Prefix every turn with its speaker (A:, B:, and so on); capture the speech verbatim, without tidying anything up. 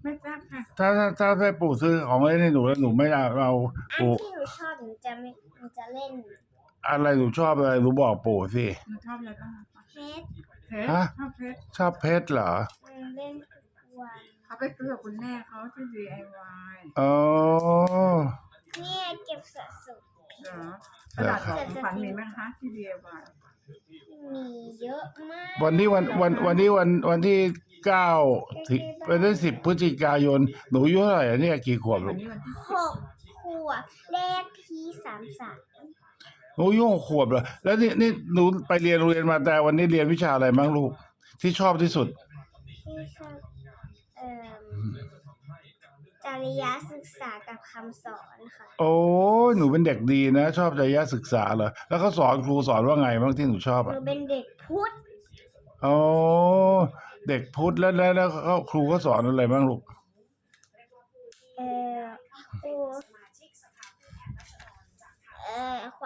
A: ไม่ทราบค่ะ
B: ถ้าถ้าถ้าให้ปู่ซื้อของเล่นให้หนูแล้วหนูไม่เอาเรา
C: อัน
B: ปู่
C: ที่หนูชอบหนูจะไม่หนูจะเล่น
B: อะไรหนูชอบอะไรหนูบอกปู่สิ
A: หนูชอบอะไรบ้างคะ
C: เพชร
A: เพชร
B: ฮะ
A: ชอบเพชร
B: ชอบเพชรเหรอ
C: หนูเล่นทุกวัน
A: เขาไปซื้อกับคุณแม่เขาที่ ดี ไอ วาย
B: อ๋อ
C: เนี่ยเก็บสะสม
A: เหรอกระดาษของขวัญมีไหมคะที่ ดี ไอ วาย
C: มีเยอะมาก
B: วันนี้วันวันวันนี้วันวันที่เก้าที่วันที่สิบพฤศจิกายนหนูอายุเท่าไหร่อะเนี่ยกี่ขวบ
A: วั
B: ลู
A: น
B: ก
A: นี้วันที่
C: หกขวบเลขที่สามสาม
B: หนูอายุหกขวบเหรอแล้วนี่นี่หนูไปเรียนโรงเรียนมาแต่วันนี้เรียนวิชาอะไรบ้างลูกที่ชอบที่สุด
C: ที่ชอบเอ่อจริยศึกษากับคำสอนค่ะ
B: โอ้ยหนูเป็นเด็กดีนะ ชอบจริยศึกษาเหรอแล้วเขาสอนครูสอนว่าไงบ้างที่หนูชอบ
C: หนู
B: อ่ะ
C: เป็นเด็กพุทธ
B: อ๋อเด็กพุทธแล้วแล้วแล้วเขาครูเขาสอนอะไรบ้างลูก
C: เอ่อครูเอ่อ